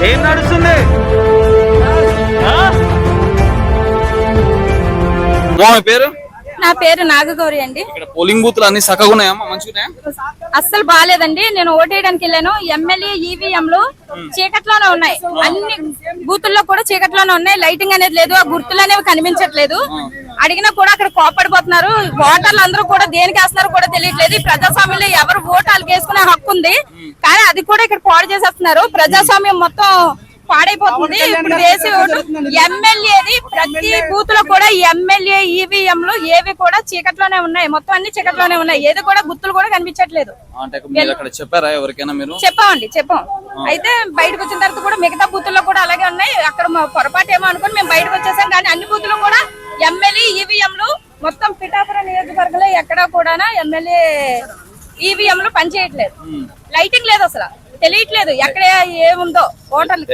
ఏం నడుస్తుంది? పేరు? నా పేరు నాగగౌరి అండి. ఇక్కడ పోలింగ్ బూత్లు అన్ని చక్కగా ఉన్నాయమ్మా, మంచిగా? అస్సలు బాగాలేదండి. నేను ఓటేయడానికి వెళ్ళాను. ఎమ్మెల్యే ఈవీఎంలు చీకట్లోనే ఉన్నాయి. అన్ని బూతుల్లో కూడా చీకట్లోనే ఉన్నాయి. లైటింగ్ అనేది లేదు. ఆ గుర్తులు అనేవి కనిపించట్లేదు. అడిగినా కూడా అక్కడ కోపడిపోతున్నారు. ఓటర్లు అందరూ కూడా దేనికి వేస్తున్నారో కూడా తెలియట్లేదు. ఈ ప్రజాస్వామ్యంలో ఎవరు ఓటాలు వేసుకునే హక్కు ఉంది, కానీ అది కూడా ఇక్కడ పాడు చేసేస్తున్నారు. ప్రజాస్వామ్యం మొత్తం పాడైపోతుంది. ఇప్పుడు వేసే ఓటు ఎమ్మెల్యేది ప్రతి బూత్ లో కూడా ఎమ్మెల్యే ఈవీఎంలు ఏవి కూడా చీకట్లోనే ఉన్నాయి. మొత్తం అన్ని చీకట్లోనే ఉన్నాయి. ఏది కూడా గుర్తులు కూడా కనిపించట్లేదు. చెప్పామండి, చెప్పాం. అయితే బయటకు వచ్చిన తర్వాత కూడా మిగతా బూతుల్లో కూడా అలాగే ఉన్నాయి. అక్కడ పొరపాటు ఏమో అనుకుని మేము బయటకు వచ్చేసాం. కానీ అన్ని బూతులు కూడా ఎమ్మెల్యే ఈవీఎంలు మొత్తం పిఠాపురం నియోజకవర్గంలో ఎక్కడా కూడా ఎమ్మెల్యే ఈవీఎంలు పనిచేయట్లేదు. లైటింగ్ లేదు, అసలు తెలియట్లేదు ఎక్కడ ఏముందో. ఓటర్లు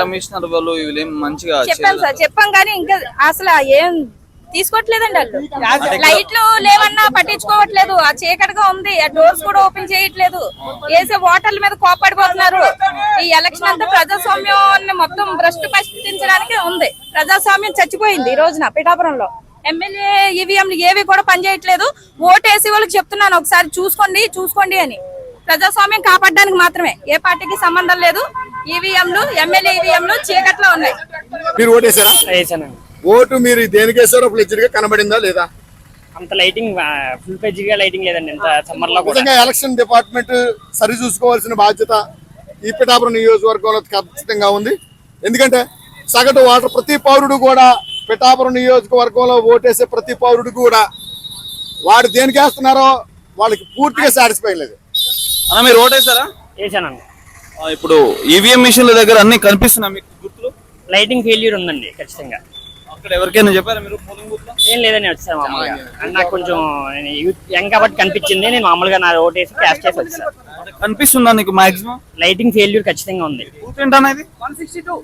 చెప్పాను సార్, చెప్పాం కానీ ఇంకా అసలు ఏం తీసుకోవట్లేదండి. వాళ్ళు లైట్లు లేవన్నా పట్టించుకోవట్లేదు. ఆ చీకటిగా ఉంది. ఆ డోర్స్ కూడా ఓపెన్ చేయట్లేదు. వేసే ఓటర్ల మీద కోపడిపోతున్నారు. ఈ ఎలక్షన్ అంతా ప్రజాస్వామ్యాన్ని మొత్తం భ్రష్టు పట్టించడానికి ఉంది. ప్రజాస్వామ్యం చచ్చిపోయింది ఈ రోజున పిఠాపురంలో. ఎమ్మెల్యే ఈవీఎంలు ఏవి కూడా పనిచేయట్లేదు. ఓటేసి వాళ్ళకి చెప్తున్నాను, ఒకసారి చూసుకోండి అని. ప్రజాస్వామ్యం కాపాడడానికి మాత్రమే, ఏ పార్టీకి సంబంధం లేదు. ఈవీఎంలు ఎమ్మెల్యే ఈవీఎంలు చీకట్లో ఉన్నాయి. మీరు ఓటేసారా? ఓటు మీరు దేనికి వేసారో ఫ్లెడ్జ్డ్ గా కనబడిందా లేదా? అంత లైటింగ్ ఫుల్ ఫ్లెడ్జ్డ్ గా లైటింగ్ లేదండి. ఇంత సమ్మర్ లో కూడా ఎలక్షన్ డిపార్ట్మెంట్ సరి చూసుకోవాల్సిన బాధ్యత ఈ పిఠాపురం నియోజకవర్గంలో ఖచ్చితంగా ఉంది. ఎందుకంటే సగటు ఓటర్ ప్రతి పౌరుడు కూడా పిఠాపురం నియోజకవర్గంలో ఓటేసే ప్రతి పౌరుడు కూడా వాడు దేనికి వేస్తున్నారో వాళ్ళకి పూర్తిగా సాటిస్ఫై లేదు. అన్న మీరు ఓటేసారా? వేసానండి. ఇప్పుడు ఈవీఎం మిషన్ల దగ్గర అన్ని కనిపిస్తున్నా మీకు గుర్తులు? లైటింగ్ ఫెయిల్యూర్ ఉందండి ఖచ్చితంగా. అక్కడ ఎవరికైనా చెప్పారా మీరు పోలింగ్ బూత్ లో? ఏం లేదని వచ్చాను మామూలుగా. నాకు కొంచెం యంగ్ కాబట్టి కనిపించింది. నేను మామూలుగా నా ఓటేసి క్యాష్ చేసి వచ్చాను. కనిపిస్తుందా నీకు? మాక్సిమం లైటింగ్ ఫెయిల్యూర్ ఖచ్చితంగా ఉంది. బూత్ ఏంటన్నా ఇది? 162,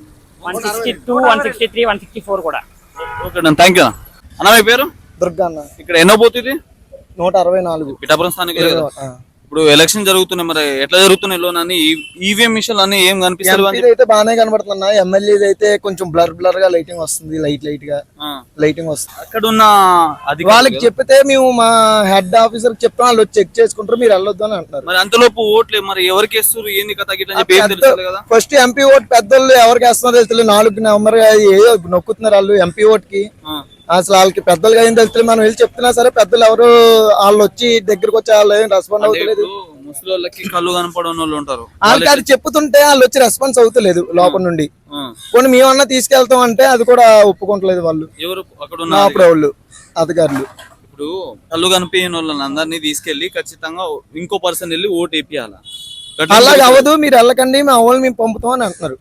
163, 164 కూడా. ఓకే అన్న, థ్యాంక్ యూ అన్న. మీ పేరు? దుర్గా అన్న. ఇక్కడ ఎన్నో బూత్ ఇది? 164 పిఠాపురం స్థానిక. ఇప్పుడు ఎలక్షన్ జరుగుతున్నాయి, మరి ఎట్లా జరుగుతున్నాయి లోని ఈవీఎం మిషన్లు అన్ని ఏం కనిపిస్తారు? అయితే బాగానే కనబడుతున్నా. ఎమ్మెల్యే అయితే కొంచెం బ్లర్ గా లైటింగ్ వస్తుంది. లైట్ గా లైటింగ్ వస్తుంది. అక్కడ ఉన్న వాళ్ళకి చెప్పితే మేము మా హెడ్ ఆఫీసర్ చెప్తాం, వాళ్ళు చెక్ చేసుకుంటారు, మీరు వెళ్ళొద్దు అని అంటున్నారు. మరి అంతలోపు ఓట్లు మరి ఎవరికి వేస్తారు ఏంది కదా? ఫస్ట్ ఎంపీ ఓట్ పెద్దోళ్ళు ఎవరికి వేస్తున్నారో తెలుసు. 4 నవంబర్ ఏదో నొక్కుతున్నారు వాళ్ళు ఎంపీ ఓట్ కి. అసలు వాళ్ళకి పెద్దలుగా ఏం తెలుస్తుంది. మనం వెళ్ళి చెప్తున్నా సరే పెద్దలు ఎవరు వాళ్ళు వచ్చి దగ్గరకు వచ్చి వాళ్ళు ఏం రెస్పాండ్ అవుతలేదు. ముసలి కళ్ళు కనపడని వాళ్ళు ఉంటారు. వాళ్ళకి అది చెప్తుంటే వాళ్ళు వచ్చి రెస్పాన్స్ అవుతలేదు లోపల నుండి. కొన్ని మేమన్నా తీసుకెళ్తాం అంటే అది కూడా ఒప్పుకుంటలేదు వాళ్ళు. ఎవరు అక్కడ వాళ్ళు అధికారులు. ఇప్పుడు కళ్ళు కనిపించిన వాళ్ళని అందరినీ తీసుకెళ్లి ఖచ్చితంగా ఇంకో పర్సన్ వెళ్ళి ఓటు వేపియాలి. అలాగే అవ్వదు, మీరు వెళ్ళకండి, మా వాళ్ళు మేము పంపుతాం అని అంటున్నారు.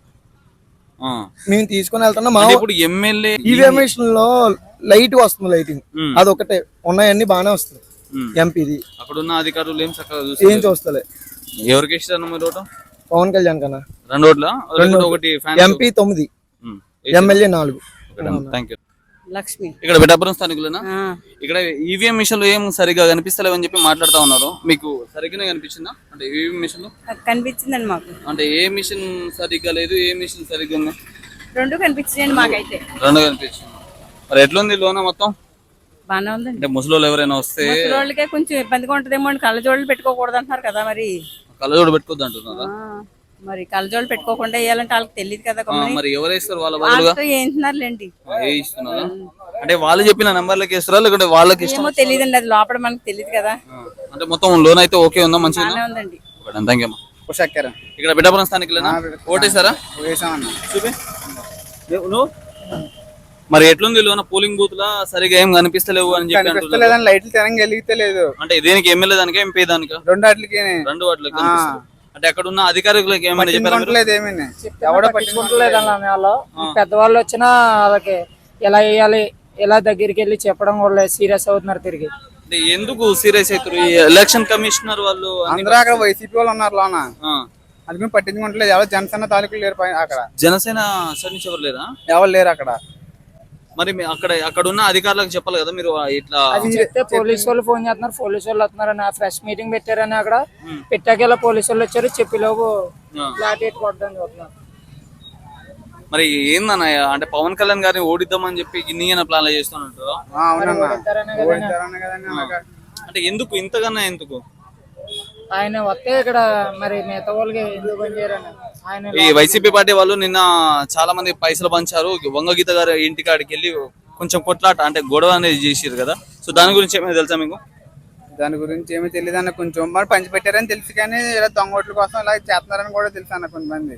మేము తీసుకుని వెళ్తున్నాం. మా ఇప్పుడు ఎమ్మెల్యే ఈవీఎం లో లైట్ వస్తుంది, లైటింగ్ అదొకటే. ఉన్నాయన్ని బాగానే వస్తుంది. ఎంపీది అక్కడ ఉన్న అధికారులు ఏం చక్కగా ఏం చూస్తలే. ఎవరికి ఇస్తారు మీరు ఓటు? పవన్ కళ్యాణ్ కన్నా. 2 ఓట్ల? ఒకటి MP 9, MLA 4. Thank you. Lakshmi. ఇక్కడ పిఠాపురం స్థానికులేనా? ఇక్కడ ఈవీఎం మిషన్లు ఏం సరిగా కనిపిస్తలేవని చెప్పి మాట్లాడుతా ఉన్నారు. మీకు సరిగ్గానే కనిపించిందా? అంటే ఈవీఎం మిషన్ కనిపించిందండి మాకు. అంటే ఏ మిషన్ సరిగ్గా లేదు, ఏ మిషన్ సరిగ్గా ఉంది? రెండు కనిపించిందండి మాకైతే. రెండు కనిపించింది. మరి ఎట్లుంది లోన మొత్తం? బాగానే ఉందండి. అంటే ముసలోళ్ళు ఎవరైనా వస్తే ముసలోళ్ళకే కొంచెం ఇబ్బందిగా ఉంటదేమో అని కళ్ళజోళ్ళు పెట్టుకోకూడదు అంటున్నారు కదా. మరి కళ్ళజోడు పెట్టుకోవద్దు అంటున్నారా? మరి కళ్ళజోళ్ళు పెట్టుకోకుండా వేయాలంటే వాళ్ళకి తెలియదు కదా. మరి ఎవరేస్తారు వాళ్ళ బదులుగా? ఏంటున్నారులేండి. ఇస్తున్నారా? అంటే వాళ్ళు చెప్పిన నంబర్లకి ఇస్తారా లేకుంటే వాళ్ళకి ఏమో తెలియదండి, అది లోపల మనకు తెలియదు కదా. అంటే మొత్తం లోన్ అయితే ఓకే ఉందా? మంచిగా ఉందండి. Thank you. ఇక్కడ పిఠాపురం స్థానికులేనా? ఓటేసారా? చూపి. మరి ఎట్లుంది లోన పోలింగ్ బూత్ లా? సరిగా ఏం కనిపిస్తలేవు అని చెప్పి లైట్లు తెలంగా వెలిగితలేదు. అంటే దేనికి? ఎమ్మెల్యే దానికి, ఎంపీ దానికి? రెండు వాటికి. అంటే అక్కడ ఉన్న అధికారులకు ఏమైనా ఎవడో పట్టించుకుంటలేదు అన్న. పెద్దవాళ్ళు వచ్చినా వాళ్ళకి ఎలా వేయాలి, ఎలా దగ్గరికి వెళ్ళి చెప్పడం కూడా సీరియస్ అవుతున్నారు తిరిగి. ఎందుకు సీరియస్ అవుతారు? ఎలక్షన్ కమిషనర్ వాళ్ళు అందరూ అక్కడ వైసీపీ వాళ్ళు ఉన్నారు లోన. అది పట్టించుకుంటలేదు. ఎవరు జనసేన తాలూకులు లేరు అక్కడ. జనసేన సైడ్ నుంచి ఎవరు లేరా? ఎవరు లేరు అక్కడ. మరి అక్కడ ఉన్న అధికారులకు చెప్పాలి కదా మీరు. ఇట్లా పోలీసు వాళ్ళు ఫోన్ చేస్తున్నారు, పోలీసు వాళ్ళు వస్తున్నారని ఫ్రెష్ మీటింగ్ పెట్టారని అక్కడ పెట్టాక పోలీసు వాళ్ళు వచ్చారు, చెప్పిలోపు ఫ్లాట్ ఎట్టుకోవద్దని చూస్తున్నారు. మరి ఏందన్న అంటే పవన్ కళ్యాణ్ గారిని ఓడిద్దామని చెప్పి ఇన్ని ప్లాన్ చేస్తున్నట్టు అంటే ఎందుకు ఇంతకన్నా ఎందుకు ఆయన వస్తే ఇక్కడ మరి మిగతా వాళ్ళకి ఎందుకు పనిచేయరని ఆయన ఈ వైసీపీ పార్టీ వాళ్ళు నిన్న చాలా మంది పైసలు పంచారు వంగగీత గారి ఇంటికి ఆడికి వెళ్ళి కొంచెం కొట్లాట అంటే గొడవ అనేది చేసిరు కదా సో దాని గురించి ఏమైనా తెలుసా మీకు దాని గురించి ఏమీ తెలియదు అన్న, కొంచెం మరి పంచి పెట్టారని తెలుసు కానీ ఇలా దొంగ ఓట్ల కోసం ఇలా చేస్తున్నారని కూడా తెలుసు అన్న కొంతమంది.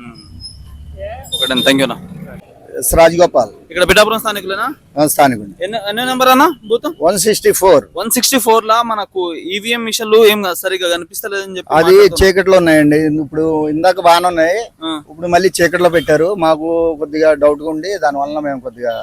ఒకటే థ్యాంక్ యూ అన్న. రాజగోపాల్ ఇక్కడ పిఠాపురం స్థానికులేనా? స్థానికుడు. ఎన్నో నెంబర్ అన్న బూత్? 164. 164 లా మనకు ఈవీఎం మిషన్లు ఏం సరిగా కనిపిస్తలేదని చెప్పి అది చీకట్లో ఉన్నాయండి. ఇప్పుడు ఇందాక బాగానే ఉన్నాయి, ఇప్పుడు మళ్ళీ చీకట్లో పెట్టారు. మాకు కొద్దిగా డౌట్ గా ఉండి దాని వలన మేము కొద్దిగా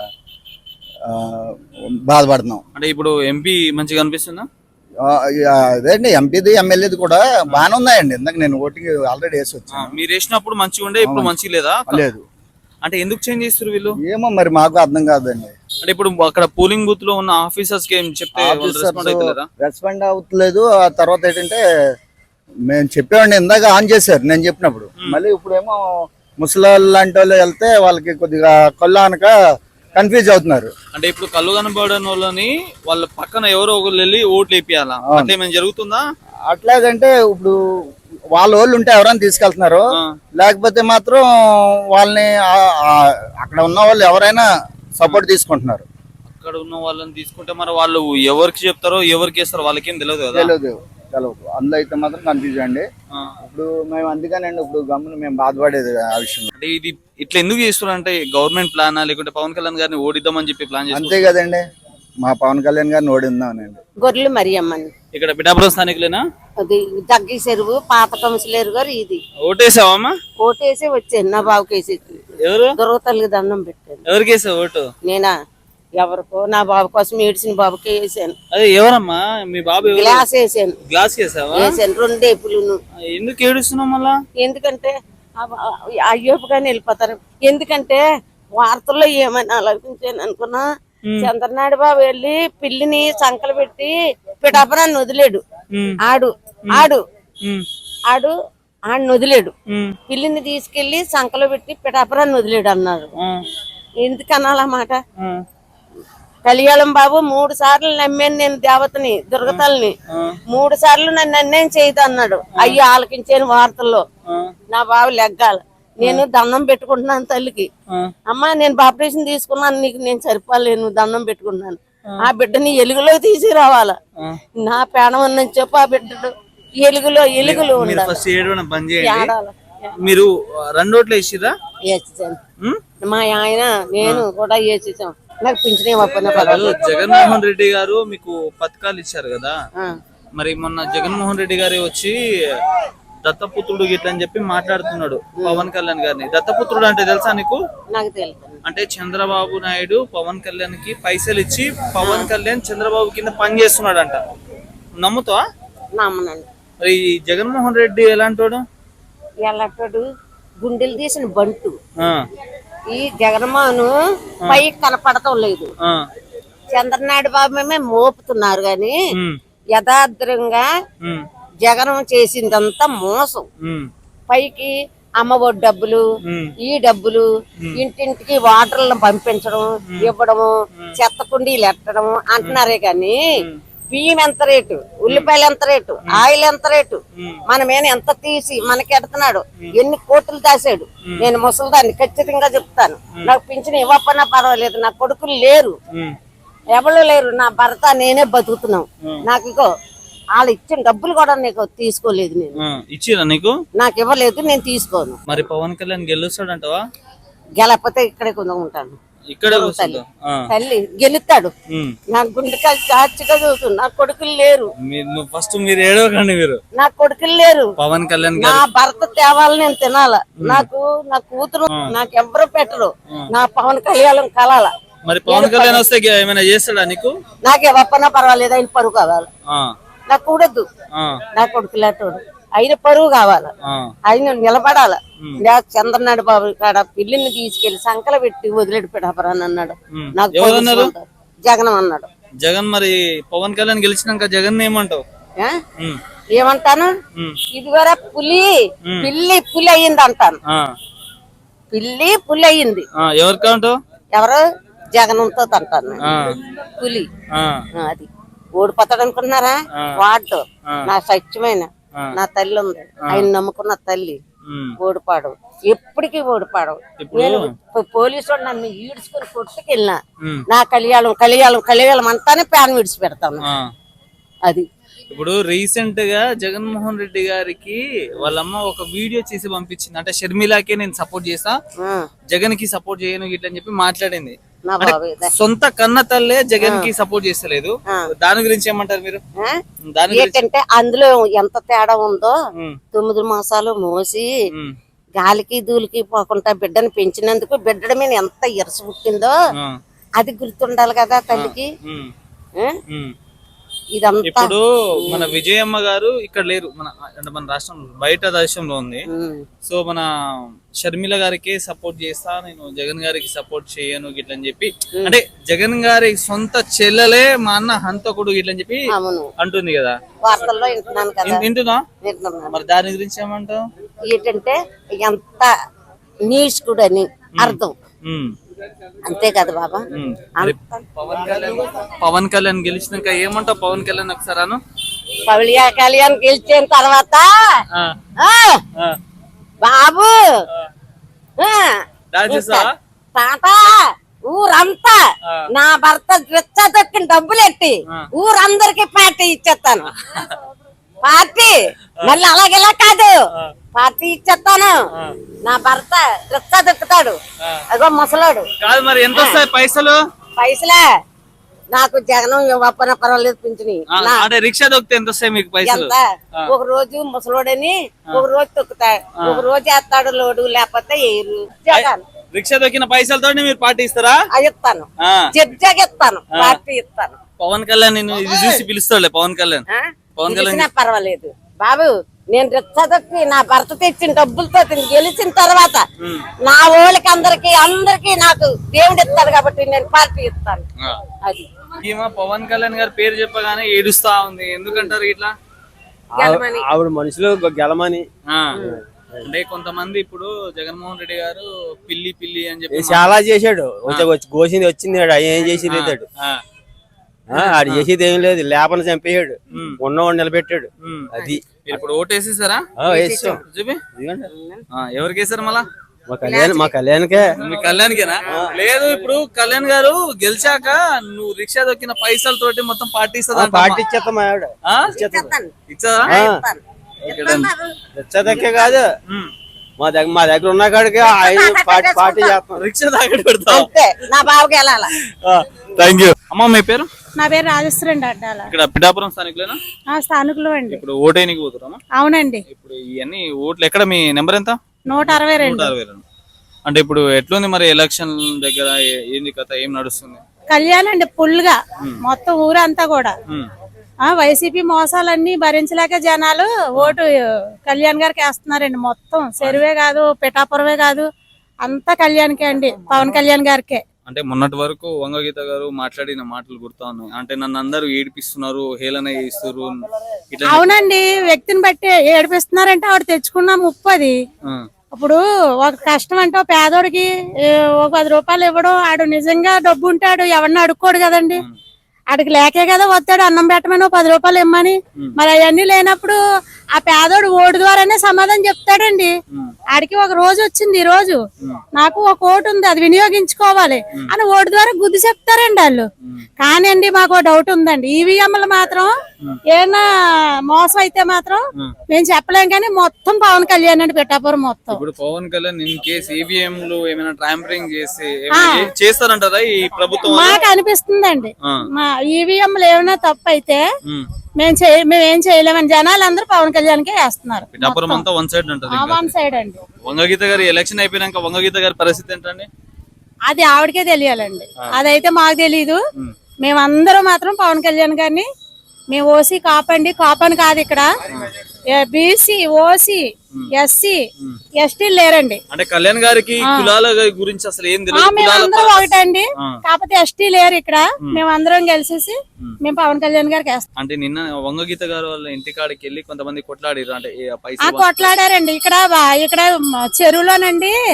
బాధపడుతున్నాం. అంటే ఇప్పుడు ఎంపీ మంచిగా కనిపిస్తుందా? అదేండి ఎంపీది ఎమ్మెల్యేది కూడా బాగానే ఉన్నాయండి. ఇందాక నేను ఓటింగ్ ఆల్రెడీ వేసి వచ్చాను. మీరు వేసినప్పుడు మంచిగా ఉండే, ఇప్పుడు మంచిగా లేదా? లేదు. అంటే ఎందుకు చేంజ్ చేస్తారు వీళ్ళు? ఏమో మరి మాకు అర్థం కాదండి. అంటే ఇప్పుడు అక్కడ పోలింగ్ బూత్ లో ఉన్న ఆఫీసర్స్ కి ఏం చెప్తే రెస్పాండ్ అవుతలేదు. ఆ తర్వాత ఏంటంటే మేము చెప్పామండి, ఇందాక ఆన్ చేశారు నేను చెప్పినప్పుడు. మళ్ళీ ఇప్పుడేమో ముసలాళ్ళు లాంటి వాళ్ళు వెళ్తే వాళ్ళకి కొద్దిగా కళ్ళు అనక కన్ఫ్యూజ్ అవుతున్నారు. అంటే ఇప్పుడు కళ్ళు కనబడని వాళ్ళని వాళ్ళ పక్కన ఎవరో ఒకరు వెళ్ళి ఓట్లు వేపియాలా? అంటే ఏమైనా జరుగుతుందా? అట్లాగంటే ఇప్పుడు వాళ్ళ వాళ్ళు ఉంటే ఎవరైనా తీసుకెళ్తున్నారు, లేకపోతే మాత్రం వాళ్ళని అక్కడ ఉన్న వాళ్ళు ఎవరైనా సపోర్ట్ తీసుకుంటున్నారు. అక్కడ ఉన్న వాళ్ళని తీసుకుంటే మరి వాళ్ళు ఎవరికి చెప్తారో ఎవరికి వేస్తారో వాళ్ళకేం తెలియదు కదా? తెలియదు. అందులో అయితే మాత్రం కన్ఫ్యూజ్ అండి. ఇప్పుడు మేము అందుకనండి ఇప్పుడు గమ్మున మేము బాధపడేది ఆ విషయం. అంటే ఇది ఇట్లా ఎందుకు చేస్తున్నారు అంటే గవర్నమెంట్ ప్లాన్ లేకుంటే పవన్ కళ్యాణ్ గారిని ఓడిద్దామని చెప్పి ప్లాన్ చేస్తారు? అంతే కదండి, మా పవన్ కళ్యాణ్ గారిని ఓడిద్దామనండి. గొర్రెలు మరియమ్మని ఇక్కడ పిఠాపురం స్థానికులేనా? అది దగ్గి చెరువు పాత కౌన్సిలర్ గారు ఇది. ఓటేసావమ్మా? ఓటేసి వచ్చాను నా బాబుకి వేసి. ఎవరు? దుర్గతల్లికి దండం పెట్టాను. ఎవరికి వేసావు ఓటు? నేనా ఎవరికో నా బాబు కోసం ఏడ్చిన బాబుకి వేసాను. అదే ఎవరమ్మా మీ బాబు? గ్లాస్ వేసాను. గ్లాస్ వేసావా? వేసాను రెండేపులు. ఎందుకు ఏడుస్తున్నావు మళ్ళా? ఎందుకంటే అయ్యోపుగానే వెళ్ళిపోతారు. ఎందుకంటే వార్తల్లో ఏమని ఆలోచించాను అనుకున్నా, చంద్రనాయుడు బాబు వెళ్ళి పిల్లిని సంకలు పెట్టి పిఠాపురాన్ని వదిలేడు. ఆడిని వదిలేడు. పిల్లిని తీసుకెళ్లి సంకలో పెట్టి పిఠాపురాన్ని వదిలేడు అన్నారు. ఎందుకు అనాలన్నమాట? కళ్యాణం బాబు 3 సార్లు నమ్మాను నేను దేవతని దుర్గతల్ని. 3 సార్లు నన్ను అన్యాయం చేయదు అన్నాడు. అయ్యో ఆలకించాను వార్తల్లో. నా బాబు లెగ్గాల. నేను దండం పెట్టుకుంటున్నాను తల్లికి. అమ్మా నేను బాప్టిజం తీసుకున్నాను, నీకు నేను సరిపోలేను, దండం పెట్టుకున్నాను. ఆ బిడ్డని ఎలుగులో తీసుకురావాలా? నా ప్రాణం అని చెప్పు. ఆ బిడ్డడు ఎలుగులో మీరు 2 ఓట్లు వేసిరా? మా ఆయన నేను కూడా వేసేసాం. నాకు పింఛనే జగన్మోహన్ రెడ్డి గారు మీకు పథకాలు ఇచ్చారు కదా, మరి మొన్న జగన్మోహన్ రెడ్డి గారి వచ్చి దత్తపుత్రుడు గిట్ల అని చెప్పి మాట్లాడుతున్నాడు పవన్ కళ్యాణ్ గారిని. దత్తపుత్రుడు అంటే తెలుసా నీకు? నాకు తెలుసు. అంటే చంద్రబాబు నాయుడు పవన్ కళ్యాణ్ కి పైసలు ఇచ్చి పవన్ కళ్యాణ్ చంద్రబాబు కింద పని చేస్తున్నాడు అంట. నమ్ముతావా? నమ్మనండి. మరి జగన్మోహన్ రెడ్డి ఎలాంటోడు? ఎలాంటోడు? గుండెలు తీసిన బంటు. ఈ జగన్మోహన్ పై కనపడటం లేదు. చంద్రనాయుడు బాబు మేమే మోపుతున్నారు గాని యథార్థంగా జగన్ చేసిందంతా మోసం. పైకి అమ్మఒడి డబ్బులు, ఈ డబ్బులు, ఇంటింటికి వాటర్లను పంపించడం, ఇవ్వడము, చెత్త కుండీలు ఎట్టడం అంటున్నారే గాని బియ్యం ఎంత రేటు, ఉల్లిపాయలు ఎంత రేటు, ఆయిల్ ఎంత రేటు, మన మీద ఎంత తీసి మనకి ఎడుతున్నాడు, ఎన్ని కోట్లు దాశాడు. నేను ముసలిదాన్ని ఖచ్చితంగా చెప్తాను. నాకు పింఛన్ ఇవ్వకపోయినా పర్వాలేదు, నా కొడుకులు లేరు, ఎవరు లేరు, నా భర్త నేనే బతుకుతున్నాం. నాకు ఇగో వాళ్ళు ఇచ్చిన డబ్బులు కూడా నీకు తీసుకోలేదు. నేను ఇచ్చిరా నీకు? నాకు ఇవ్వలేదు, నేను తీసుకోను. మరి పవన్ కళ్యాణ్ గెలుస్తాడంటవా? గెలకపోతే ఇక్కడే ఉంటాను. ఇక్కడ తల్లి గెలుస్తాడు. నా గుండెకాయ చాచిగా చదువుతుంది. నా కొడుకులు లేరు. ఫస్ట్ మీరు ఏడవకండి. మీరు నా కొడుకులు లేరు. పవన్ కళ్యాణ్ నా భర్త తేవాలి, నేను తినాల. నాకు నా కూతురు నాకు ఎవరు పెట్టరు. నా పవన్ కళ్యాణ్ కలాల. మరి పవన్ కళ్యాణ్ వస్తే ఏమైనా చేస్తాడా నీకు? నాకు ఎవప్పన్నా పర్వాలేదు, ఆయన పరువు కావాలి. నాకు కూడద్దు. నా కొడుకులాటోడు ఆయన పరువు కావాల, ఆయన నిలబడాల. చంద్రనాయుడు బాబు కాడ పిల్లిని తీసుకెళ్లి సంకల పెట్టి వదిలేడు పిఠాపురాన్ని అన్నాడు. నాకు జగన్ అన్నాడు. జగన్ మరి పవన్ కళ్యాణ్ గెలిచినాక జగన్ ఏమంటావు? ఏమంటాను? ఇది వరకు పులి అయ్యింది అంటాను. పిల్లి పులి అయ్యింది. ఎవరి కౌంటు? ఎవరు జగనంతో అంటాను పులి. అది ఓడిపోతాడు అనుకుంటున్నారా? వాడు నా సత్యమైన నా తల్లి ఉంది, ఆయన నమ్ముకున్న తల్లి. ఓడిపాడు, ఎప్పటికీ ఓడిపాడు. నేను పోలీసు నన్ను ఈడ్చుకుని కొట్టుకెళ్ళినా నా కలియాలం అంతానే ప్యాన్ విడిచి పెడతాను. అది ఇప్పుడు రీసెంట్ గా జగన్మోహన్ రెడ్డి గారికి వాళ్ళమ్మ ఒక వీడియో చేసి పంపించింది. అంటే షర్మిలాకే నేను సపోర్ట్ చేస్తా, జగన్ కి సపోర్ట్ చేయను ఇట్లా అని చెప్పి మాట్లాడింది. సొంత కన్న తల్లే జగన్ కి సపోర్ట్ చేస్తలేదు. దాని గురించి ఏమంటారు మీరు? ఏంటంటే అందులో ఎంత తేడా ఉందో. 9 మాసాలు మోసి గాలికి దూలికి పోకుండా బిడ్డను పెంచినందుకు బిడ్డ మీద ఎంత ఇరస పుట్టిందో అది గుర్తుండాలి కదా తల్లికి. ఇదంతా ఇప్పుడు మన విజయమ్మ గారు ఇక్కడ లేరు, మన రాష్ట్రంలో బయట దేశంలో ఉంది. సో మన షర్మిల గారికి సపోర్ట్ చేస్తా, నేను జగన్ గారికి సపోర్ట్ చేయను గిట్ల అని చెప్పి, అంటే జగన్ గారి సొంత చెల్లెలే మా అన్న హంతకుడు గిట్ల అని చెప్పి అంటుంది కదా, వార్తల్లో వింటున్నాను కదా. వింటున్నా? మరి దాని గురించి ఏమంటావు? ఏంటంటే ఎంత నీచుకుడు అని అర్థం, అంతే కదా బాబా. పవన్ కళ్యాణ్ గెలిచినాక ఏమంటావు? పవన్ కళ్యాణ్ ఒకసారి అను. కళ్యాణ్ గెలిచిన తర్వాత బాబు తాత ఊరంతా నా భర్త దొక్కిన డబ్బులు ఎట్టి ఊరందరికి పార్టీ ఇచ్చేస్తాను. పార్టీ మళ్ళీ అలాగెలా కాదు, పార్టీ ఇచ్చేస్తాను. నా భర్త రిక్షా దొక్కుతాడు, అగో ముసలాడు కాదు. మరి ఎంత వస్తాయి పైసలు? పైసలే నాకు జగనం ఇవ్వకపోయినా పర్వాలేదు పింఛని. రిక్షా దొక్కితే ఎంత వస్తాయి మీకు పైసలు? ఒక రోజు ముసలోడని ఒక రోజు తొక్కుతాడు, ఒక రోజు వేస్తాడు లోడు, లేకపోతే ఏరు. జగన్ రిక్షా దొక్కిన పైసలతో మీరు పార్టీ ఇస్తారా? ఇస్తాను, జడ్జాగా ఇస్తాను, పార్టీ ఇస్తాను. పవన్ కళ్యాణ్ నేను ఇది చూసి పిలుస్తాడులే. పవన్ కళ్యాణ్ పర్వాలేదు బాబు. నేను రిక్షా దొక్కి నా భర్త తెచ్చిన డబ్బులతో గెలిచిన తర్వాత నా వాళ్ళకి అందరికి నాకు దేవుడు ఇస్తాడు కాబట్టి నేను పార్టీ ఇస్తాను. అది పవన్ కళ్యాణ్ గారి పేరు చెప్పగానే ఏడుస్తా ఉంది, ఎందుకంటారు ఇట్లా? ఆవిడ మనుషులు గెలమని. అంటే కొంతమంది ఇప్పుడు జగన్మోహన్ రెడ్డి గారు పిల్లి పిల్లి అని చెప్పి చాలా చేశాడు, గోసింది వచ్చింది, ఏం చేసి లేదాడు. ఆడు చేసేది ఏం లేదు, లేపన చంపేయాడు, ఉన్నవాడు నిలబెట్టాడు. అది ఇప్పుడు ఓటేసేసారా? చూపి ఎవరికి వేసారు మళ్ళా? మా కళ్యాణ్కే. మీ కళ్యాణ్కేనా? లేదు, ఇప్పుడు కళ్యాణ్ గారు గెలిచాక నువ్వు రిక్షా దొక్కిన పైసలతోటి మొత్తం పార్టీ పార్టీ ఇచ్చేస్తాం. ఆవిడ ఇచ్చా రిక్షా దక్కే కాదు, మా దగ్గర ఉన్న కాడికి పార్టీ చేస్తాం. రిక్షా దాకా పెడతా. నా బావకి వెళ్ళాలా? Thank you. అమ్మ మీ పేరు? నా పేరు రాజేశ్వరి అండి. అడ్డాల ఇక్కడ పిఠాపురం స్థానికులేనా? స్థానికులు అండి. ఇప్పుడు ఓటేనికి పోతున్నామా? అవునండి. ఇప్పుడు ఇవన్నీ ఓట్లు ఎక్కడ? మీ నెంబర్ ఎంత? 162. 162. అంటే ఇప్పుడు ఎట్లుంది మరి ఎలక్షన్ దగ్గర? ఏంది కథ, ఏం నడుస్తుంది? కళ్యాణ్ అండి పుల్గా మొత్తం ఊరంతా కూడా వైసీపీ మోసాలన్నీ భరించలేక జనాలు ఓటు కళ్యాణ్ గారికి వేస్తున్నారండి. మొత్తం చెరువే కాదు, పిఠాపురమే కాదు, అంతా కళ్యాణ్కే అండి, పవన్ కళ్యాణ్ గారికే. అంటే మొన్నటి వరకు వంగగీత గారు మాట్లాడిన మాటలు గుర్తా ఉన్నాయి. అంటే నన్ను అందరూ ఏడిపిస్తున్నారు, హేళన చేస్తున్నారు. అవునండి, వ్యక్తిని బట్టి ఏడిపిస్తున్నారంటే ఆవిడ తెచ్చుకున్న ముప్పు అది. ఇప్పుడు ఒక కష్టం అంటే పేదోడికి ఒక 10 రూపాయలు ఇవ్వడం, ఆడు నిజంగా డబ్బు ఉంటాడు ఎవరిని అడుక్కోడు కదండి. ఆడికి లేకే కదా వస్తాడు అన్నం పెట్టమని 10 రూపాయలు ఇమ్మని. మరి అవన్నీ లేనప్పుడు ఆ పేదోడు ఓటు ద్వారానే సమాధానం చెప్తాడండి. ఆడికి ఒక రోజు వచ్చింది, ఈ రోజు నాకు ఒక ఓటు ఉంది, అది వినియోగించుకోవాలి అని ఓటు ద్వారా గుద్ది చెప్తారండి వాళ్ళు. కానివ్వండి, మాకు డౌట్ ఉందండి, ఈవీఎంలు మాత్రం ఏమన్నా మోసం అయితే మాత్రం మేము చెప్పలేం, కానీ మొత్తం పవన్ కళ్యాణ్ అండి పిఠాపురం మొత్తం. ఇప్పుడు పవన్ కళ్యాణ్ ఇన్ కేసు ఈవీఎంలు ఏమైనా ట్యాంపరింగ్ చేసి చేస్తారంటారా ఈ ప్రభుత్వం? మాకు అనిపిస్తుందండి, మా ఈవీఎంలు ఏమైనా తప్పు అయితే మేమేం చేయలేమని జనాలు అందరూ పవన్ కళ్యాణ్కే వేస్తున్నారు. పిఠాపురం అంతా వన్ సైడ్ ఉంటుంది. వన్ సైడ్ అండి. వంగగీత గారి ఎలక్షన్ అయిపోయినాక వంగగీత గారి పరిస్థితి ఏంటండి? అది ఆవిడకే తెలియాలండి, అదైతే మాకు తెలీదు. మేమందరం మాత్రం పవన్ కళ్యాణ్ గారిని మేము ఓసీ కాపండి, కాపని కాదు ఇక్కడ బీసీ, ఓసీ, ఎస్సీ, ఎస్టీ లేరండి. అంటే కళ్యాణ్ గారికి కులాల గురించి అసలు ఏం తెలియదు. మేమందరం ఒకటండి, కాకపోతే ఎస్టీ లేరు ఇక్కడ. మేమందరం కలిసేసి మేము పవన్ కళ్యాణ్ గారికి వేస్తాం. అంటే నిన్న వంగగీత గారు వాళ్ళ ఇంటికాడికి వెళ్ళి కొంతమంది కొట్లాడారు. అంటే కొట్లాడారండి. ఇక్కడ చెరువులోనండి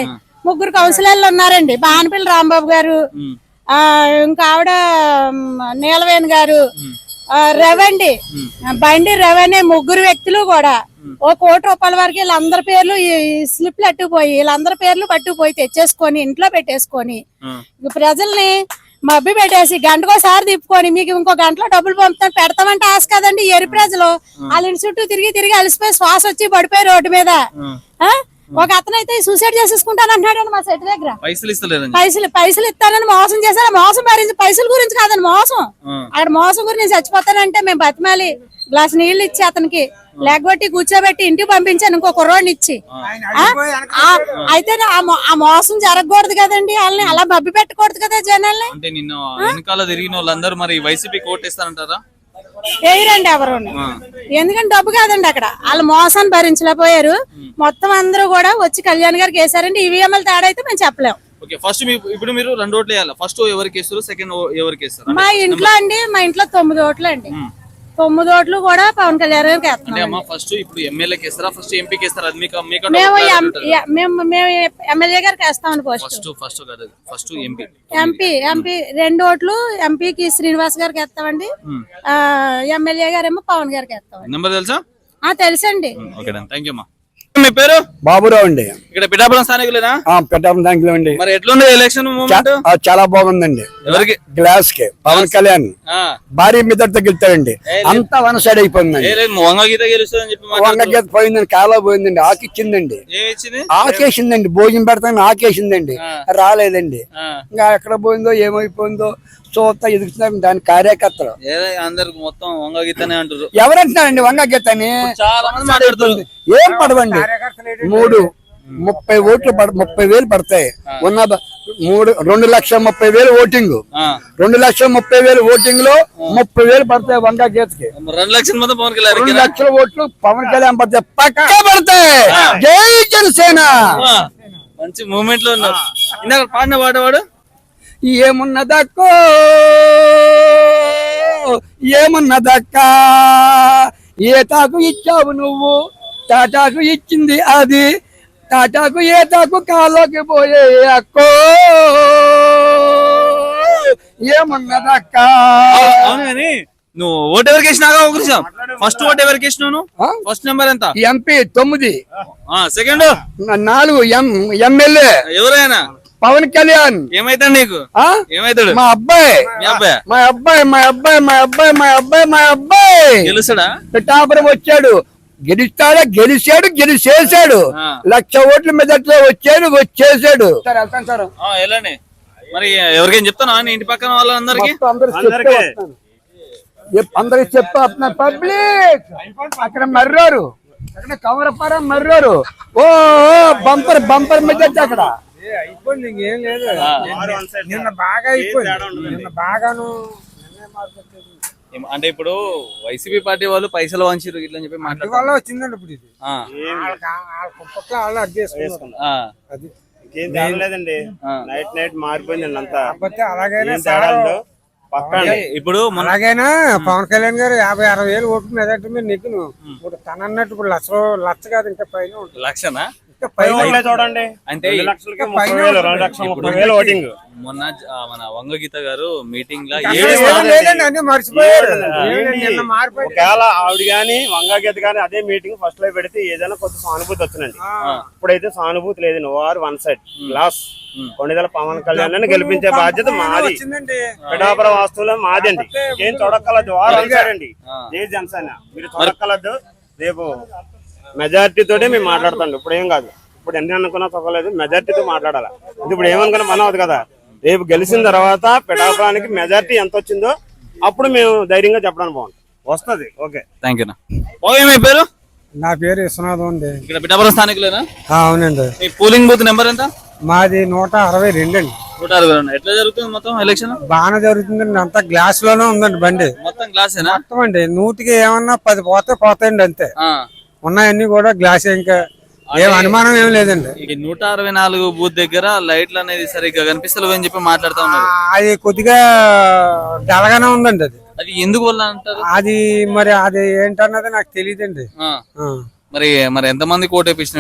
ముగ్గురు కౌన్సిలర్లు ఉన్నారండి. బానపల్లి రాంబాబు గారు, ఇంకా ఆవిడ నీలవేణి గారు, రవండి బండి రవనే ముగ్గురు వ్యక్తులు కూడా ఓ ₹1,00,00,000 వరకు వీళ్ళందరి పేర్లు ఈ స్లిప్లు అట్టుకుపోయి వీళ్ళందరి పేర్లు పట్టుకుపోయి తెచ్చేసుకొని ఇంట్లో పెట్టేసుకొని ప్రజల్ని మబ్బి పెట్టేసి గంటకోసారి తిప్పుకొని మీకు ఇంకో గంటలో డబ్బులు పంపుతాను పెడతామంటే ఆశ కదండి. ఎరి ప్రజలు వాళ్ళ ఇంటి చుట్టూ తిరిగి అలసిపోయి శ్వాస వచ్చి పడిపోయి రోడ్డు మీద. ఒక అతను అయితే సూసైడ్ చేసేసుకుంటాను అంటున్నాడు మా సెట్ దగ్గర. పైసలు ఇస్తానని మోసం చేశారు. మోసం భరించి పైసల గురించి కాదండి మోసం. అక్కడ మోసం గురించి నేను చచ్చిపోతానంటే మేము బతిమాలి గ్లాస్ నీళ్లు ఇచ్చి అతనికి లేకపోతే కూర్చోబెట్టి ఇంటికి పంపించాను ఇంకో కుర్రోడిని ఇచ్చి. అయితే ఆ మోసం జరగకూడదు కదండి. వాళ్ళని అలా మబ్బి పెట్టకూడదు కదా జనాల్ని. అంటే నిన్న వెనకాల తిరిగిన వాళ్ళందరూ మరి వైసీపీ కోటేస్తారంటారా? వేయరండి ఎవరు, ఎందుకంటే డబ్బు కాదండి అక్కడ. వాళ్ళు మోసాన్ని భరించలేకపోయారు. మొత్తం అందరూ కూడా వచ్చి కళ్యాణ్ గారికి వేసారండి. ఈవీఎంల తేడా అయితే మేము చెప్పలేము. ఫస్ట్ ఇప్పుడు మీరు 2 ఓట్లు వేయాలి. ఫస్ట్ ఎవరికి వేస్తారు, సెకండ్ ఎవరికి వేస్తారు? మా ఇంట్లో 9 ఓట్లు అండి. 9 ఓట్లు కూడా పవన్ కళ్యాణ్ గారికి వేస్తున్నాం. ఫస్ట్ ఇప్పుడు ఎమ్మెల్యేకి వేస్తారా, ఫస్ట్ ఎంపీకి వేస్తారా? మేము ఎమ్మెల్యే గారికి వేస్తామని ఫస్ట్ ఎంపీ 2 ఓట్లు ఎంపీకి శ్రీనివాస్ గారికి వేస్తామండి. ఎమ్మెల్యే గారేమో పవన్ గారికి వేస్తామండి. నెంబర్ తెలుసా? తెలుసండి. థ్యాంక్ యూ అమ్మా. మీ పేరు? బాబురావు అండి. ఇక్కడ పిఠాపురం స్థానికులేనా? పిఠాపురం స్థానికులు అండి. మరి ఎట్లుంది ఎలక్షన్ మూమెంట్? చాలా బాగుందండి. ఎవరికి? గ్లాస్ కి పవన్ కళ్యాణ్ భారీ మెదడుతో గెలుతాడండి. అంతా వన్ సైడ్ అయిపోయిందండి. వంగగీత గెలుస్తుందని చెప్పి వంగగీత పోయిందండి, కాలా పోయిందండి, ఆకిచ్చిందండి, ఆకేసిందండి, భోజనం పెడతాను ఆకేసిందండి, రాలేదండి. ఇంకా ఎక్కడ పోయిందో ఏమైపోయిందో చూస్తా ఎదుగుతున్నారు దాని కార్యకర్తలు. అందరికి మొత్తం వంగగీతనే అంటారు. ఎవరంటున్నారండి వంగగీతని? చాలా మంది మాట్లాడుతుంది. ఏం పడవండి. 30 ఓట్లు 30,000 పడతాయి. ఉన్న 2,30,000 ఓటింగ్, 2,30,000 ఓటింగ్ లో 30,000 పడతాయి వంగగీతకి. 2 లక్షల మంది పవన్ కళ్యాణ్, 2 లక్షల ఓట్లు పవన్ కళ్యాణ్ పడతాయి, పక్కా పడతాయి. జై జనసేన. మంచి మూమెంట్ లో ఉన్నారు. ఇందాక పాడిన పాడవాడు ఏమున్నదక్కో ఏమున్నదక్క, ఏ తాకు ఇచ్చావు నువ్వు, టాటాకు ఇచ్చింది అది, టాటాకు ఏ తాకు కాలోకి పోయే అక్కో ఏమున్నదక్క. అవును కానీ నువ్వు ఓటు ఎవరికి వేసినాగా? ఒక నిమిషం. ఫస్ట్ ఓటు ఎవరికి వేసినావు? ఫస్ట్ నెంబర్ ఎంత? ఎంపీ 9, సెకండ్ 4 ఎమ్మెల్యే ఎవరైనా పవన్ కళ్యాణ్. ఏమైతాడు నీకు? ఏమైతాడు? మా అబ్బాయి. మీ అబ్బాయి? మా అబ్బాయి మా అబ్బాయి మా అబ్బాయి మా అబ్బాయి మా అబ్బాయి గెలుస్తాడా? పిఠాపురం వచ్చాడు, గెలుస్తాడా? గెలిచేసాడు. 1,00,000 ఓట్ల మెదడుతో వచ్చేసాడు. వెళ్ళండి. మరి ఎవరికైనా చెప్తాను ఇంటి పక్కన వాళ్ళందరికి? అందరికి చెప్తా పబ్లిక్. అక్కడ మర్రారు, అక్కడ కవరపారం మర్రారు. ఓ బంపర్ మెదడు అక్కడ అయిపోయింది. ఇంకేం లేదు. నిన్న బాగా అయిపోయింది. నిన్న బాగాను. అంటే ఇప్పుడు వైసీపీ పార్టీ వాళ్ళు పైసలు వంచిరు ఇట్లా చెప్పి మాట్లాడే వల్ల వచ్చిందండి. ఇప్పుడు ఇది వాళ్ళు అడ్డు చేసుకున్నారు. అది ఇంకేం లేదండి. నైట్ మారిపోయిందండి అంతా. అలాగైనా ఇప్పుడు అలాగైనా పవన్ కళ్యాణ్ గారు 50-60 వేలు ఓట్లు మెదటి మీద నెగ్గును. ఇప్పుడు తన అన్నట్టు ఇప్పుడు లక్ష కాదు ఇంకా పైన ఉంటుంది. లక్షనా? చూడండి అంటే మొన్న మన వంగగీత గారు మీటింగ్ లా మర్చిపోయారు. ఒకవేళ ఆవిడ గాని వంగగీత గాని అదే మీటింగ్ ఫస్ట్ లో పెడితే ఏదైనా కొత్త సానుభూతి వచ్చిందండి. ఇప్పుడైతే సానుభూతి లేదు. నోవారు 1 సైడ్ గ్లాస్. కొన్నిదల పవన్ కళ్యాణ్ గెలిపించే బాధ్యత మాది. పిఠాపురం వాస్తువులో మాది అండి. ఏం చూడక్కలద్దు. వారు అండి జై జనసేన. మీరు చూడక్కలద్దు. రేపు మెజార్టీ తోటే మేము మాట్లాడుతాం. ఇప్పుడు ఏం కాదు. ఇప్పుడు ఎన్ని అనుకున్నా తొక్కలేదు. మెజార్టీతో మాట్లాడాలి. ఇప్పుడు ఏమనుకున్నా పని అవుతుంది కదా. రేపు గెలిచిన తర్వాత పిఠాపురానికి మెజార్టీ ఎంత వచ్చిందో అప్పుడు మేము ధైర్యంగా చెప్పడానికి బాగుంటుంది. వస్తుంది. Okay, thank you. మీ పేరు? నా పేరు విశ్వనాథం అండి. ఇక్కడ పిఠాపురం స్థానికులేనా? అవునండి. మీ పోలింగ్ బూత్ నెంబర్ ఎంత? మాది 162 అండి. 162. ఎట్లా జరుగుతుంది మొత్తం ఎలక్షన్? బాగానే జరుగుతుందండి. అంతా గ్లాస్ లోనే ఉందండి బండి. మొత్తం గ్లాసేనా? మొత్తం అండి. 100కి ఏమన్నా 10 పోతాయండి అంతే. ఉన్నాయన్నీ కూడా గ్లాస్. ఇంకా ఏం అనుమానం ఏం లేదండి. 164 బూత్ దగ్గర లైట్లు అనేది సరిగ్గా కనిపిస్తలేవు అని చెప్పి మాట్లాడుతా ఉన్నారు. అది కొద్దిగా డల్గానే ఉందండి. అది ఎందుకు వల్ల అంటారు? అది మరి అది ఏంటన్నది నాకు తెలియదండి. మరి ఎంత మంది కోట్ వేపించినవేంటి?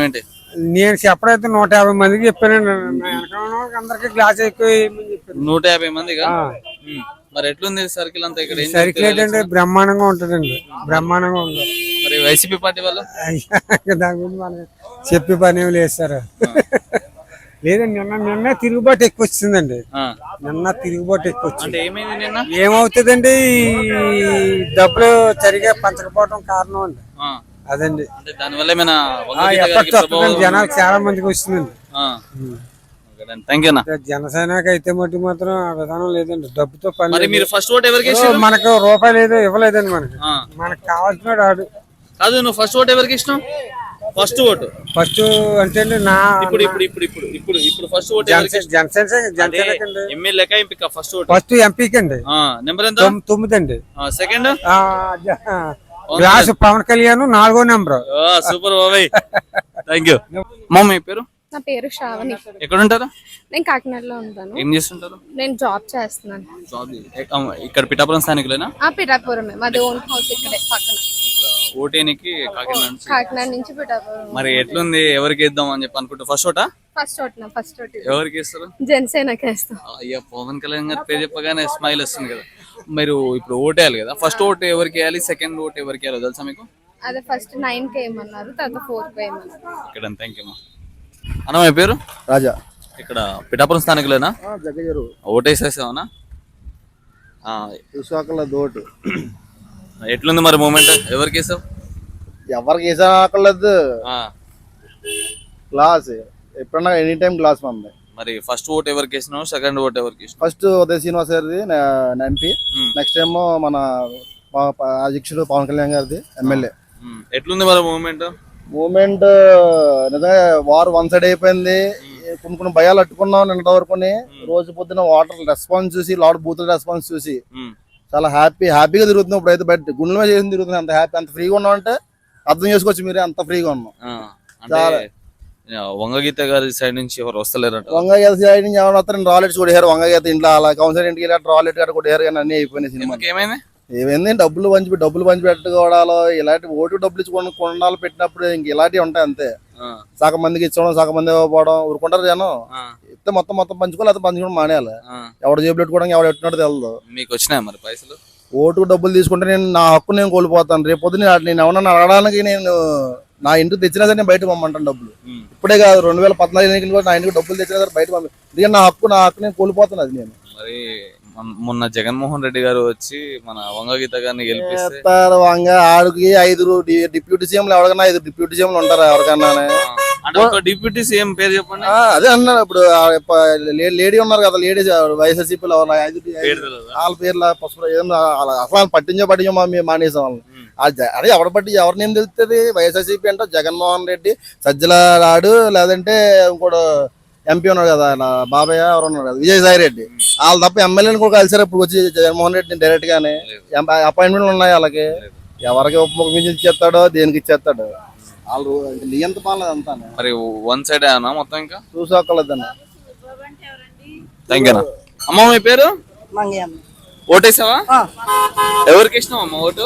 నేను చెప్పడైతే 150 మందికి చెప్పానండి. నా వెనకాల ఉన్న వాళ్ళకి అందరికీ గ్లాస్ ఎక్కువ వేయమని చెప్పాను. 150 మందిగా. మరి ఎట్లుంది సర్కిల్ అంతా ఇక్కడ? ఏం సర్కిల్ ఏంటంటే బ్రహ్మాండంగా ఉంటుందండి, బ్రహ్మాండంగా ఉంది. మరి వైసీపీ పార్టీ వాళ్ళు దాని గురించి మనకి చెప్పే పని ఏమి లేదు సార్. లేదండి, నిన్న తిరుగుబాటు ఎక్కువ వచ్చిందండి. నిన్న తిరుగుబాటు ఎక్కువ వచ్చింది. అంటే ఏమైంది నిన్న? ఏమవుతుందండి, ఈ డబ్బులు సరిగా పంచకపోవడం కారణం అండి. అదండి, అంటే దానివల్ల ఏమైనా ఎఫెక్ట్ వస్తుందండి, జనాలు చాలా మందికి వస్తుందండి. Thank you. జనసేనకి అయితే మట్టి మాత్రం ఆ విధానం లేదండి, డబ్బుతో పని. మరి మీరు ఫస్ట్ ఓట్ ఎవరికి వేసారు? మనకు రూపాయి లేదు, ఇవ్వలేదండి. మనకు కావాల్సిన ఆడు కాదు. నువ్వు ఫస్ట్ ఓట్ ఎవరికి ఇష్టం? ఫస్ట్ ఓటు ఫస్ట్ అంటే నా ఇప్పుడు ఫస్ట్ ఓట్ జనసేన ఎమ్మెల్యే ఎంపిక. ఫస్ట్ ఓట్ ఫస్ట్ ఎంపీకి అండి. నెంబర్ ఎంత? 9 అండి. సెకండ్ గ్లాస్ పవన్ కళ్యాణ్ 4వ నెంబర్. సూపర్ బాబాయ్, థ్యాంక్ యూ. మమ్మీ పేరు? నా పేరు శ్రావణి. ఎక్కడ ఉంటారు? నేను కాకినాడలో ఉంటాను. ఏం చేస్తుంటారు? నేను జాబ్ చేస్తున్నాను. జాబ్ ఇక్కడ పిఠాపురం స్థానికులేనా? పిఠాపురమే, మాది ఓన్ హౌస్ ఇక్కడే పక్కన. ఓటేనికి కాకినాడ నుంచి పిఠాపురం. మరి ఎట్లుంది, ఎవరికి ఇద్దాం అని చెప్పి అనుకుంటా? ఫస్ట్ ఓటా? ఫస్ట్ ఓట్ ఎవరికి ఇస్తారు? జనసేనకి వేస్తాం. అయ్యా, పవన్ కళ్యాణ్ గారి పేరు చెప్పగానే స్మైల్ వస్తుంది కదా. మీరు ఇప్పుడు ఓటేయాలి కదా, ఫస్ట్ ఓట్ ఎవరికి వేయాలి, సెకండ్ ఓట్ ఎవరికి వేయాలో తెలుసా మీకు? అదే ఫస్ట్ 9కి వేయమన్నారు, తర్వాత 4కి వేయమన్నారు. ఇక్కడ థ్యాంక్ యూ అన్న. మీ పేరు? రాజా. ఇక్కడ పిఠాపురం స్థానికులేనా? జగ్గజరు. ఓటేసేసావనా? చూసాకల దోటు. ఎట్లుంది మరి మూమెంట్, ఎవరికి వేసావు? ఎవరికి వేసాకలేదు, గ్లాస్ ఎప్పుడన్నా ఎనీ టైం గ్లాస్ మంది. మరి ఫస్ట్ ఓట్ ఎవరికి వేసినావు, సెకండ్ ఓట్ ఎవరికి వేసినావు? ఫస్ట్ ఉదయ్ శ్రీనివాస్ గారిది ఎంపీ, నెక్స్ట్ ఏమో మన అధ్యక్షుడు పవన్ కళ్యాణ్ గారిది ఎమ్మెల్యే. ఎట్లుంది మరి మూమెంట్? నిజంగా వారు వన్ సైడ్ అయిపోయింది. కొన్ని భయాలు అట్టుకున్నాం నిన్నటి వరకుని. రోజు పొద్దున వాటర్ రెస్పాన్స్ చూసి, లాడ్ బూతుల రెస్పాన్స్ చూసి చాలా హ్యాపీగా తిరుగుతున్నాం. ఇప్పుడు అయితే బయట గుండెల మీద చేసి తిరుగుతున్నాం. అంత హ్యాపీ, అంత ఫ్రీగా ఉన్నాం అంటే అర్థం చేసుకోవచ్చు మీరే, అంత ఫ్రీగా ఉన్నాం. వంగగీత గారి సైడ్ నుంచి ఎవరు వస్తలేరు? వంగగీత సైడ్ నుంచి ఎవరు వస్తారు? రాలెట్స్ కొట్టారు వంగగీత ఇంట్లో, అలా కౌన్సిలర్ ఇంటికి వెళ్ళి రాలెట్ గారు కొట్టారు. కానీ అన్ని అయిపోయినాయి. సినిమా ఏమైంది, డబ్బులు పంచి పెట్టుకోవడాలు, ఇలాంటి ఓటు డబ్బులు ఇచ్చి కొనాలు పెట్టినప్పుడు ఇంక ఇలాంటివి ఉంటాయి అంతే. సగం మందికి ఇచ్చడం, సగం మంది ఇవ్వకపోవడం, ఊరుకుంటారు జనం. ఇస్తే మొత్తం పంచుకోవాలి, అది పంచుకోవడం మానేయాలి. ఎవడు జేబులు పెట్టుకోవడం, ఎవడు ఎట్టున్నట్టు తెలదు. మీకు వచ్చినాయి మరి పైసలు? ఓటుకు డబ్బులు తీసుకుంటే నేను నా హక్కు నేను కోల్పోతాను. రేపు పొద్దున నేను ఎవరన్నా అడగడానికి నేను నా ఇంటికి తెచ్చినా సరే నేను బయట పంపమంటాను డబ్బులు. ఇప్పుడే కాదు, 2014 ఎన్నికలు నా ఇంటికి డబ్బులు తెచ్చినా సరే బయట పంపి, ఎందుకంటే నా హక్కు నేను కోల్పోతాను. అది నేను మరి మొన్న జగన్మోహన్ రెడ్డి గారు వచ్చి మన వంగగీత గారిని గెలిపిస్తే ఆడికి 5 డిప్యూటీ సీఎంలు, ఎవరికన్నా 5 డిప్యూటీ సీఎంలు ఉంటారా ఎవరికన్నా? డిప్యూటీ సీఎం పేరు చెప్పండి. అదే అన్నారు, ఇప్పుడు లేడీ ఉన్నారు కదా, లేడీస్ వైఎస్ఆర్సీపీలో వాళ్ళ పేర్ల అసలు పట్టించో మానేసాం వాళ్ళని. అదే ఎవరిని ఏం తెలుస్తుంది? వైఎస్ఆర్సీపీ అంటే జగన్మోహన్ రెడ్డి, సజ్జల రాడు, లేదంటే ఇంకోటి ఎంపీ ఉన్నాడు కదా బాబాయ్, ఎవరు ఉన్నారు కదా విజయసాయి రెడ్డి, వాళ్ళు తప్ప ఎమ్మెల్యేని కూడా కలిసారు ఇప్పుడు వచ్చి జగన్మోహన్ రెడ్డిని డైరెక్ట్ గానే. అపాయింట్మెంట్లు ఉన్నాయి వాళ్ళకి, ఎవరికి ఉపయోగించి ఇచ్చేస్తాడో దేనికి ఇచ్చేస్తాడు. వాళ్ళు నియంత పాలన అంతా మరి వన్ సైడ్ అన్నా మొత్తం. ఇంకా చూసుకోలేదన్న. థ్యాంక్ యూ అమ్మ. మీ పేరు? ఓటేసావా? ఎవరికి ఇష్టం అమ్మ ఓటు?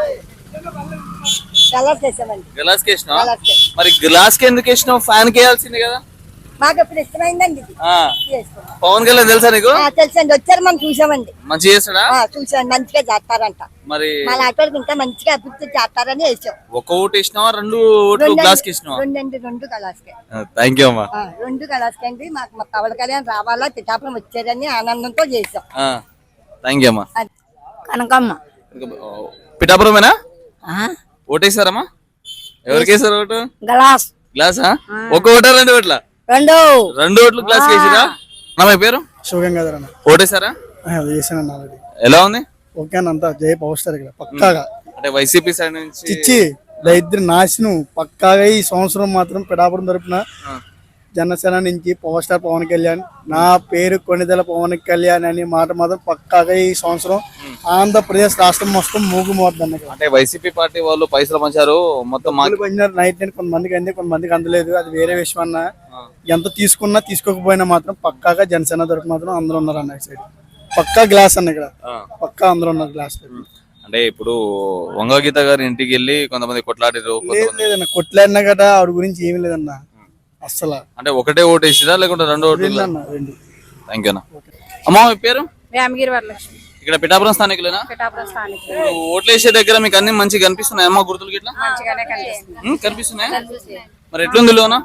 గ్లాస్ కి ఇష్టం. మరి గ్లాస్ కి ఎందుకు ఇష్టం? ఫ్యాన్ కి వేయాల్సింది కదా. మాకు ఇప్పుడు ఇష్టమైందండి. పవన్ కళ్యాణ్ తెలుసా నీకు? తెలుసండి, వచ్చారు మనం చూసామండి. మంచిగా చేస్తాడా? చూసాం, మంచిగా చేస్తారంట. మరి మా లాంటి ఇంకా మంచిగా అభివృద్ధి చేస్తారని వేసాం. ఒక ఓటు ఇచ్చినావా, 2 ఓట్లు గ్లాస్ కి ఇచ్చినావా? 2 గ్లాస్కే. థ్యాంక్ యూ అమ్మా. 2 గ్లాస్కి అండి. మాకు పవన్ కళ్యాణ్ రావాలా, పిఠాపురం వచ్చారని ఆనందంతో చేసాం. థ్యాంక్ యూ అమ్మా. కనకమ్మ. పిఠాపురమేనా? ఓటేసారమ్మా? ఎవరికి వేసారు ఓటు? గ్లాసా? ఒక ఓటా 2 ఓట్లా? 2 ఓట్లు గ్లాస్ వేసిరా? నా పేరు శివగంగాధర్. ఓటేసారా? ఎలా ఉంది? ఓకే అంతా జై పవర్ స్టార్ ఇక్కడ పక్కాగా. అంటే వైసీపీ సైడ్ నుంచి ఇచ్చి దరిద్ర నాశనం పక్కాగా. ఈ సంవత్సరం మాత్రం పిఠాపురం తరపున జనసేన నుంచి పవర్ స్టార్ పవన్ కళ్యాణ్, నా పేరు కొణిదెల పవన్ కళ్యాణ్ అనే మాట మాత్రం పక్కాగా ఈ సంవత్సరం ఆంధ్రప్రదేశ్ రాష్ట్రం మొత్తం మూగుమోద్దండి. అంటే వైసీపీ పార్టీ వాళ్ళు పైసలు పంచారు మొత్తం. నైట్ కొంతమందికి అంది, కొంతమందికి అందలేదు, అది వేరే విషయం అన్న. ఎంత తీసుకున్నా తీసుకోకపోయినా మాత్రం పక్కాగా జనసేన తరపు మాత్రం అందరూ ఉన్నారు అన్న. సైడ్ పక్కా గ్లాస్ అన్న, ఇక్కడ పక్కా అందరూ ఉన్నారు గ్లాస్. అంటే ఇప్పుడు వంగగీత గారి ఇంటికి వెళ్ళి కొంతమంది కొట్లాడారు. లేదన్న, కొట్లాడినా కదా ఆవిడ గురించి ఏమీ లేదన్న. అస్సలు అంటే ఒకటే ఓటు వేసిరా లేకుంటే రెండో ఓటు? రెండు. థ్యాంక్ యూ అన్న. అమ్మా మీ పేరు? వేమగిరి వరలక్ష్మి, ఇక్కడ పిఠాపురం స్థానికులేనా? పిఠాపురం స్థానికులు. ఇప్పుడు ఓట్లు వేసే దగ్గర మీకు అన్ని మంచిగా కనిపిస్తున్నాయి అమ్మా గుర్తులు గిట్లా? మంచిగానే కనిపిస్తుంది. కనిపిస్తున్నాయి. మరి ఎట్లుంది లోన?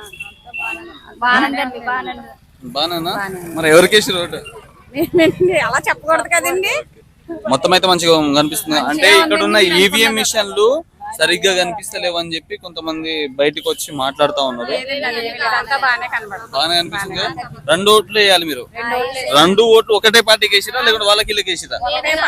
బానేనా? మరి ఎవరికి వేసారు ఓటు? అలా చెప్పకూడదు కదండి. మొత్తం అయితే మంచిగా కనిపిస్తుంది. అంటే ఇక్కడ ఉన్న ఈవీఎం మిషన్లు సరిగ్గా కనిపిస్తలేవు అని చెప్పి కొంతమంది బయటకు వచ్చి మాట్లాడుతా ఉన్నారు. బాగానే కనిపిస్తుంది. రెండు ఓట్లు వేయాలి మీరు. రెండు ఓట్లు ఒకటే పార్టీకి వేసిరా లేకుంటే వాళ్ళకి వీళ్ళకి వేసిరా?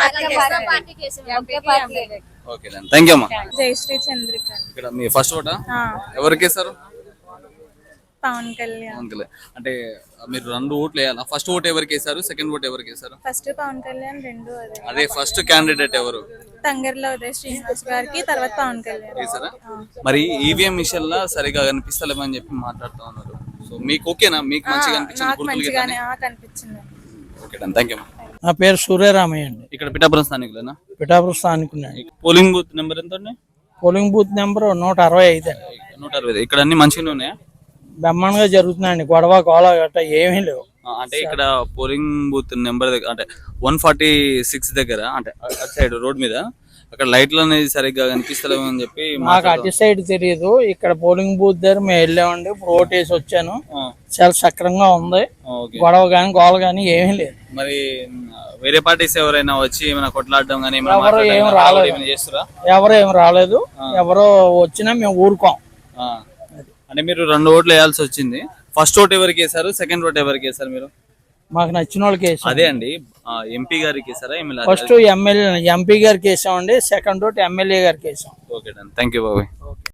ఓకే థ్యాంక్ యూ అమ్మా. జయశ్రీ చంద్రిక. ఇక్కడ మీ ఫస్ట్ ఓటా? ఎవరికి వేస్తారు? పవన్ కళ్యాణ్. అంటే మీరు రెండు ఓట్లు వేయాలా? ఫస్ట్ ఓట్ ఎవరికి వేసారు? సెకండ్ ఓట్ ఎవరికి వేసారు? ఫస్ట్ పవన్ కళ్యాణ్, రెండు అదే ఫస్ట్ క్యాండిడేట్ ఎవరు? తంగర్లో ఉదయ్ శ్రీనివాస్ గారికి, తర్వాత పవన్ కళ్యాణ్ వేసారా? మరి ఈవీఎం మిషన్ లా సరిగా కనిపిస్తలేమని చెప్పి మాట్లాడుతూ ఉన్నారు. సో మీకు ఓకేనా? మీకు మంచిగా కనిపించింది. Okay thank you. నా పేరు సూర్యరామయ్య అండి. ఇక్కడ పిఠాపురం స్థానికులేనా? పిఠాపురం స్థానికున్నాండి. పోలింగ్ బూత్ నెంబర్ ఎంత అండి? పోలింగ్ బూత్ నెంబర్ 165 అండి. 165. ఇక్కడ అన్ని మంచిగానే ఉన్నాయా? బ్రహ్మాండంగా జరుగుతున్నాయండి. గొడవ గోళ గట్రా ఏమీ లేవు. అంటే ఇక్కడ పోలింగ్ బూత్ నెంబర్ దగ్గర అంటే 146 దగ్గర అంటే అటు సైడ్ రోడ్ మీద అక్కడ లైట్లు అనేది సరిగ్గా కనిపిస్తలేవు అని చెప్పి మాకు అటు సైడ్ తెలియదు. ఇక్కడ పోలింగ్ బూత్ దగ్గర మేము వెళ్ళామండి. ఇప్పుడు ఓటు వేసి వచ్చాను. చాలా సక్రంగా ఉంది. గొడవ గాని గోళ గాని ఏమీ లేదు. మరి వేరే పార్టీస్ ఎవరైనా వచ్చి ఏమైనా కొట్లాడడం కానీ ఎవరు ఏం రాలేదు. చేస్తారా? ఎవరు ఏం రాలేదు. ఎవరో వచ్చినా మేము ఊరుకోం. అంటే మీరు రెండు ఓట్లు వేయాల్సి వచ్చింది. ఫస్ట్ ఓట్ ఎవరికి వేసారు? సెకండ్ ఓట్ ఎవరికి వేసారు మీరు? మాకు నచ్చిన వాళ్ళకి వేసాం. అదే అండి ఎంపీ గారికి వేసారా? ఫస్ట్ ఎంపీ గారికి వేసామండి. సెకండ్ ఓట్ ఎమ్మెల్యే గారికి వేసాం. ఓకే థ్యాంక్ యూ బాబాయ్.